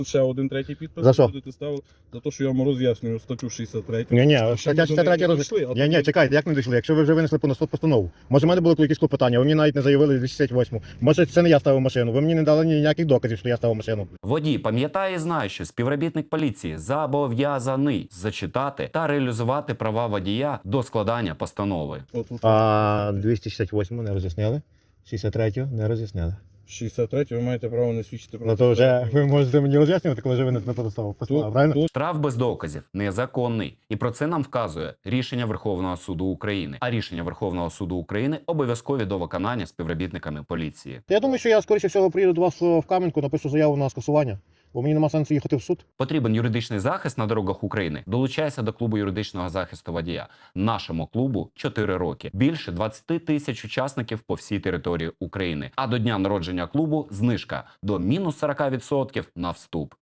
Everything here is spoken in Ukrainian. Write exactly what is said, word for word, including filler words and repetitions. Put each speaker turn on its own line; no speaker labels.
Ще один третій підпис.
За що?
Будете ставити за те, що я вам роз'яснюю статтю шістдесят три.
Ні, ні,
Ще
стаття
ми до неї
шістдесят три
не
роз...
дійшли, а
Ні, ні,
тоді-
чекайте, як не дійшли? Якщо ви вже винесли по суд постанову. Може, в мене були якісь клопотання, ви мені навіть не заявили двісті шістдесят восьму. Може, це не я ставив машину. Ви мені не дали ніяких доказів, що я ставив машину.
Водій пам'ятає і знає, що співробітник поліції зобов'язаний зачитати та реалізувати права водія до складання постанови.
От тут
А двісті шістдесят восьму не роз'яснили, шістдесят третю не роз'яснили.
шістдесят три ви маєте право не свідчити про
Ну то вже ви можете мені роз'яснювати, коли вже винесли по постанову,
Тут-
правильно?
тут
Штраф без доказів незаконний. І про це нам вказує рішення Верховного суду України. А рішення Верховного суду України обов'язкові до виконання співробітниками поліції.
Я думаю, що я, скоріше всього, приїду до вас в Кам'янку, напишу заяву на скасування, бо мені нема сенсу їхати в суд.
Потрібен юридичний захист на дорогах України? Долучайся до клубу юридичного захисту водія. Нашому клубу чотири роки. Більше двадцять тисяч учасників по всій території України. А до дня народження клубу знижка до мінус сорок відсотків на вступ.